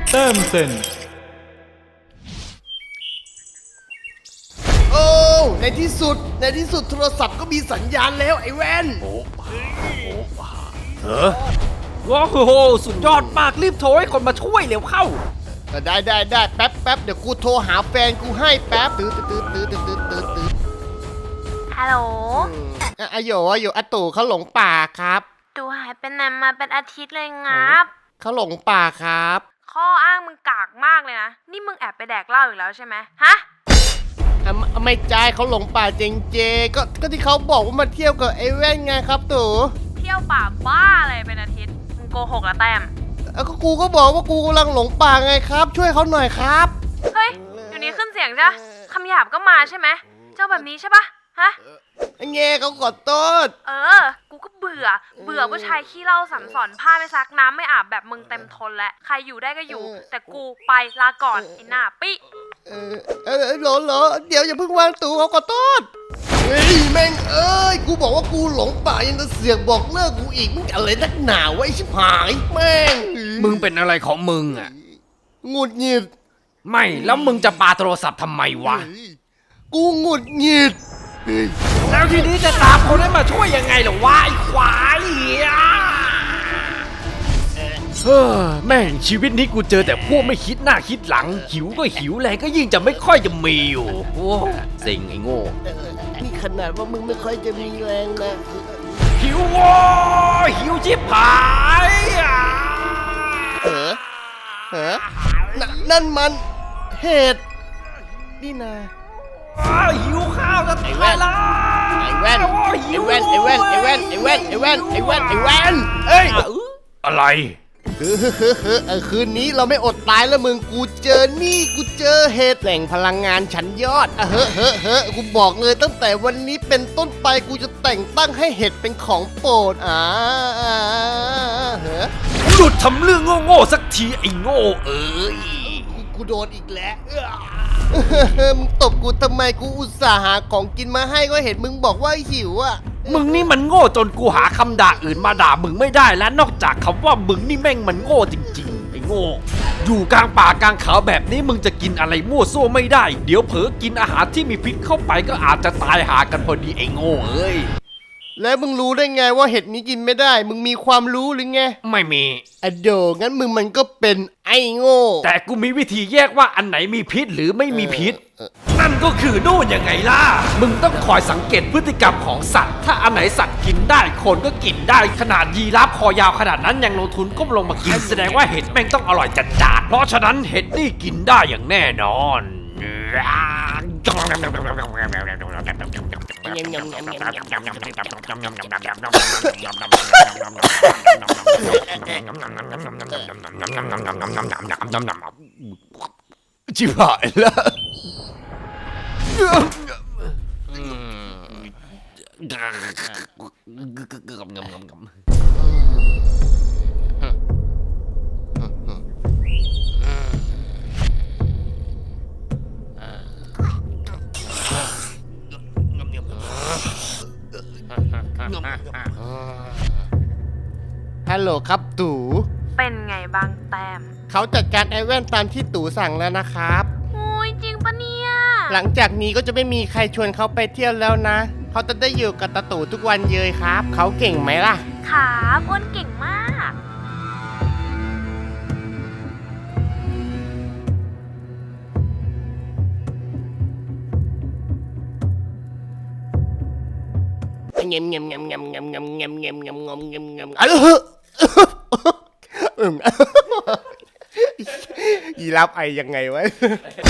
แต้มเซ็นโอ้ในที่สุดโทรศัพท์ก็มีสัญญาณแล้วไอ้แว่นว้าวสุดยอดมากรีบโทรให้คนมาช่วยเร็วเข้าได้แป๊บเดี๋ยวกูโทรหาแฟนกูให้แป๊บตื้อฮัลโหลอะโยอาตู่เขาหลงป่าครับตูหายไปไหนมาเป็นอาทิตย์เลยงับเขาหลงป่าครับข้ออ้างมึงกากมากเลยนะ นี่มึงแอบไปแดกเหล้าอีกแล้วใช่ไหมฮะไม่ใจเขาหลงป่าเจงเจก็ที่เขาบอกว่ามาเที่ยวกับไอ้แว่นไงครับตู่เที่ยวป่าบ้าอะไรเป็นอาทิตย์ มึงโกหกละแต้มก็กูก็บอกว่ากูกำลังหลงป่าไงครับ ช่วยเขาหน่อยครับเฮ้ยอยู่นี้ขึ้นเสียงจ้ะคำหยาบก็มาใช่ไหม เจ้าแบบนี้ใช่ปะฮะเงี้ยเขาขอโทษกูก็เบื่อผู้ชายขี้เหล้าสัมสอนผ้าไม่ซักน้ำไม่อาบแบบมึงเต็มทนแล้วใครอยู่ได้ก็อยู่ แต่กูไปลาก่อนไอ้หน้าปิเหรอเดี๋ยวอย่าเพิ่งวางตู่เขาขอโทษเฮ้ยแม่งกูบอกว่ากูหลงป่ายังจะเสือกบอกเลิกกูอีกมึงอะไรนักหนาวะไอ้ชิบหายแม่งมึงเป็นอะไรของมึงอ่ะหงุดหงิดไม่แล้วมึงจะปาโทรศัพท์ทำไมวะกูหงุดหงิดแล้วทีนี้จะตามคนให้มาช่วยยังไงล่ะวะไอ้ควายแม่งชีวิตนี้กูเจอแต่พวกไม่คิดหน้าคิดหลังหิวก็หิวแรงก็ยิ่งจะไม่ค่อยจะมีอยู่โอ้เซ็งไอ้โง่นี่ขนาดว่ามึงไม่ค่อยจะมีแรงนะหิวโว้ยหิวชิบหายนั่นมันเห็ดนี่นาหิวข้าวจะตายแล้วไอ้แว่นเอ้ยอะไรคืนนี้เราไม่อดตายแล้วมึงกูเจอเห็ดแหล่งพลังงานชั้นยอดกูบอกเลยตั้งแต่วันนี้เป็นต้นไปกูจะแต่งตั้งให้เห็ดเป็นของโปรดหยุดทำเรื่องโง่ๆสักทีไอ้โง่เอ้ยกูโดนอีกแล้วมึงตบกูทำไมกูอุตส่าห์หาของกินมาให้ก็เห็นมึงบอกว่าหิวอ่ะมึงนี่มันโง่จนกูหาคำด่าอื่นมาด่ามึงไม่ได้แล้วนอกจากคำว่ามึงนี่แม่งมันโง่จริงๆไอ้โง่อยู่กลางป่ากลางเขาแบบนี้มึงจะกินอะไรมั่วซั่วไม่ได้เดี๋ยวเผลอกินอาหารที่มีพิษเข้าไปก็อาจจะตายหากันพอดีไอ้โง่เอ้ยแล้วมึงรู้ได้ไงว่าเห็ดนี้กินไม่ได้มึงมีความรู้หรือไงไม่มีโดงั้นมึงมันก็เป็นไอ้โง่แต่กูมีวิธีแยกว่าอันไหนมีพิษหรือไม่มีพิษนั่นก็คือนู่นยังไงล่ะมึงต้องคอยสังเกตพฤติกรรมของสัตว์ถ้าอันไหนสัตว์กินได้คนก็กินได้ขนาดยีราฟคอยาวขนาดนั้นยังลงทุนก้มลงมากินแสดงว่าเห็ดแม่งต้องอร่อยจัดๆเพราะฉะนั้นเห็ดนี่กินได้อย่างแน่นอนชิบหายแล้วฮัลโหลครับตู่เป็นไงบ้างแต้มเขาจัดการไอ้แว่นตามที่ตู่สั่งแล้วนะครับโอ้ยจริงปะเนี่ยหลังจากนี้ก็จะไม่มีใครชวนเขาไปเที่ยวแล้วนะเขาจะได้อยู่กับตาตู่ทุกวันเยยครับเขาเก่งไหมล่ะครับอ้วนเก่งมากเงียบยีรับไอยังไงวะ